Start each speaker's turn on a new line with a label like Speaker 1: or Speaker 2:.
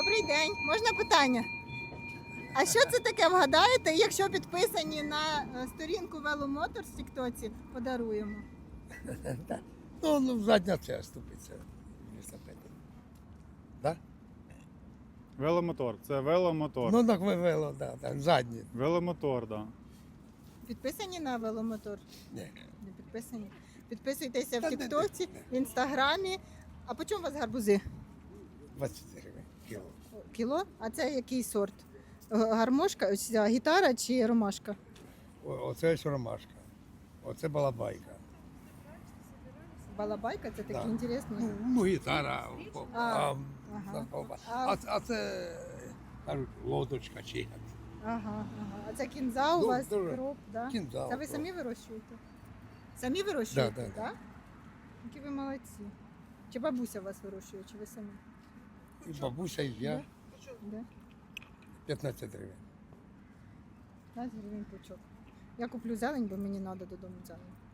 Speaker 1: Добрий день, можна питання? А що це таке, вгадаєте? Якщо підписані на сторінку Веломотор в Тіктоці, подаруємо.
Speaker 2: Ну, задня ця ступиця. Да?
Speaker 3: Веломотор. Це веломотор.
Speaker 2: Ну, так ви вело, да, так, задні.
Speaker 3: Веломотор, так. Да.
Speaker 1: Підписані на Веломотор?
Speaker 2: Ні.
Speaker 1: Не підписані. Підписуйтеся в
Speaker 2: Та не,
Speaker 1: Тіктоці, в Інстаграмі. А по чому у вас гарбузи?
Speaker 2: 20 гривень кіло.
Speaker 1: Кіло? А це який сорт? Гармошка, ось ця гітара чи ромашка?
Speaker 2: Оце ось ромашка. Оце балабайка.
Speaker 1: Балабайка, це такі
Speaker 2: Да.
Speaker 1: інтересні.
Speaker 2: Ну, гітара.
Speaker 1: ага.
Speaker 2: А це кажуть, лодочка чи як.
Speaker 1: Ага. А це кінза у
Speaker 2: Ну,
Speaker 1: вас,
Speaker 2: дуже.
Speaker 1: кроп, да?
Speaker 2: Кінза,
Speaker 1: Це ви
Speaker 2: кроп.
Speaker 1: самі вирощуєте? Самі вирощуєте,
Speaker 2: Да.
Speaker 1: Які ви молодці. Чи бабуся вас вирощує, чи ви самі?
Speaker 2: І бабуся, і я.
Speaker 1: Да?
Speaker 2: 15 гривень.
Speaker 1: 15 гривень пучок. Я куплю зелень, бо мені треба додому зелень.